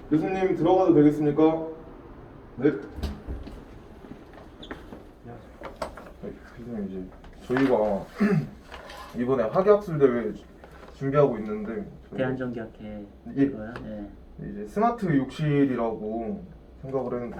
교수님 들어가도 되겠습니까? 네. 교수님 이제 저희가 이번에 학예학술 대회 준비하고 있는데 대한전기학회 예. 이거요? 네. 이제 스마트 욕실이라고 생각을 했는데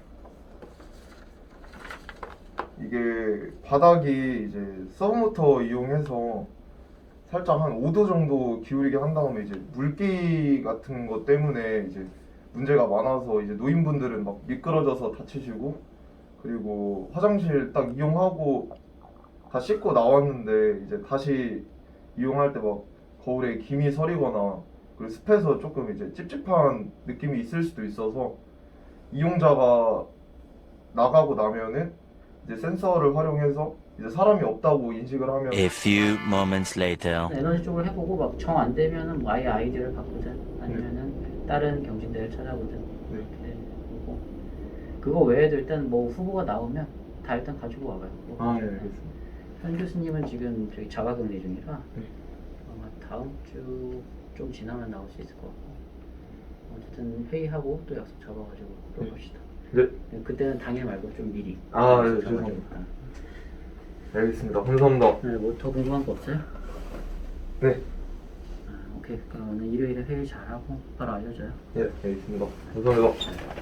이게 바닥이 이제 서브모터 이용해서 살짝 한 5도 정도 기울이게 한 다음에 이제 물기 같은 것 때문에 이제 문제가 많아서 이제 노인분들은 막 미끄러져서 다치시고, 그리고 화장실 딱 이용하고 다 씻고 나왔는데 이제 다시 이용할 때 막 거울에 김이 서리거나 그리고 습해서 조금 이제 찝찝한 느낌이 있을 수도 있어서 이용자가 나가고 나면은 이제 센서를 활용해서 이제 사람이 없다고 인식을 하면 A few moments later. 에너지 쪽으로 해보고 막 정 안 되면은 뭐 아예 아이디어를 바꾸든 아니면은 다른 경진대를 찾아보든 네. 이렇게 보고, 그거 외에도 일단 뭐 후보가 나오면 다 일단 가지고 와봐요. 뭐. 네, 알겠습니다. 현 교수님은 지금 저기 자가격리 중이라 네. 아마 다음 주 좀 지나면 나올 수 있을 것 같고, 어쨌든 회의하고 또 약속 잡아가지고 들어봅시다. 네. 그때는 당일 말고 좀 미리. 아, 네, 약속 죄송합니다. 잡아가지고. 알겠습니다. 감사합니다. 네, 뭐 더 궁금한 거 없어요? 네. 오케이. 그럼 오늘 일요일에 회의 잘하고 바로 알려줘요. 네, 알겠습니다. 감사합니다.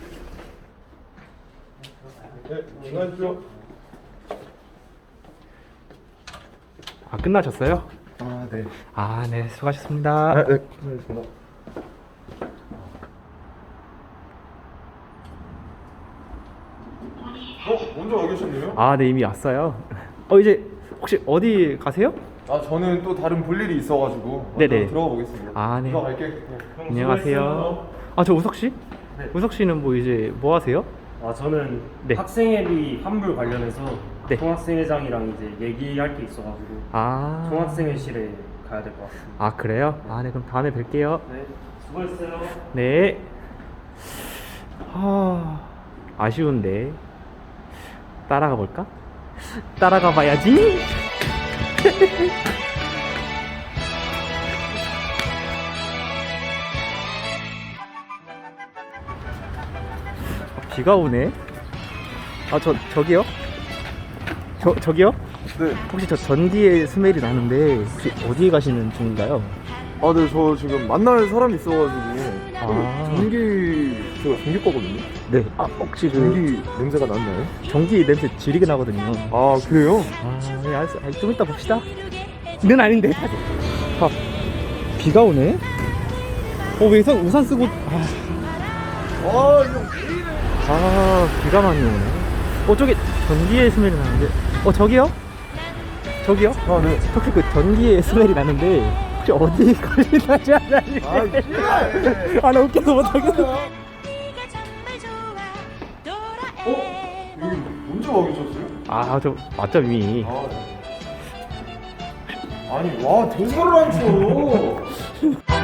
네, 수고하십시오. 아, 끝나셨어요? 아, 네. 아, 네, 수고하셨습니다. 아, 네, 수고하셨습니다. 먼저 와 계셨네요? 아, 네, 이미 왔어요. 이제 혹시 어디 가세요? 아, 저는 또 다른 볼 일이 있어가지고 네네. 들어가 보겠습니다. 아, 네. 들어갈게. 형, 안녕하세요. 아, 저 우석 씨? 네. 우석 씨는 뭐 이제 뭐 하세요? 저는 네. 학생회비 환불 관련해서 네. 총학생회장이랑 이제 얘기할 게 있어가지고 아, 총학생회실에 가야 될 것 같습니다. 아, 그래요? 아, 네, 그럼 다음에 뵐게요. 네, 수고했어요. 네. 아쉬운데. 따라가 볼까? 따라가 봐야지. 비가 오네. 아, 저기요? 저기요? 네. 혹시 저 전기의 스멜이 나는데 혹시 어디에 가시는 중인가요? 아, 네, 저 지금 만날 사람이 있어가지고. 아. 제가 전기 거거든요. 네. 아, 혹시 전기 냄새가 났나요? 전기 냄새 지리게 나거든요. 아, 그래요? 아, 네, 알았어. 좀 이따 봅시다. 는 아닌데. 아, 비가 오네. 왜 우산 쓰고? 비가 많이 오네. 저기 전기의 스멜이 나는데. 저기요? 저기요? 아, 네. 혹시 그 전기의 스멜이 나는데 혹시 어디 걸리나지 않나요? 나 웃겨서 못하겠어. 여기 언제 와 계셨어요? 저 맞점이. 아, 네. 아니, 와, 대사를 안 쳐.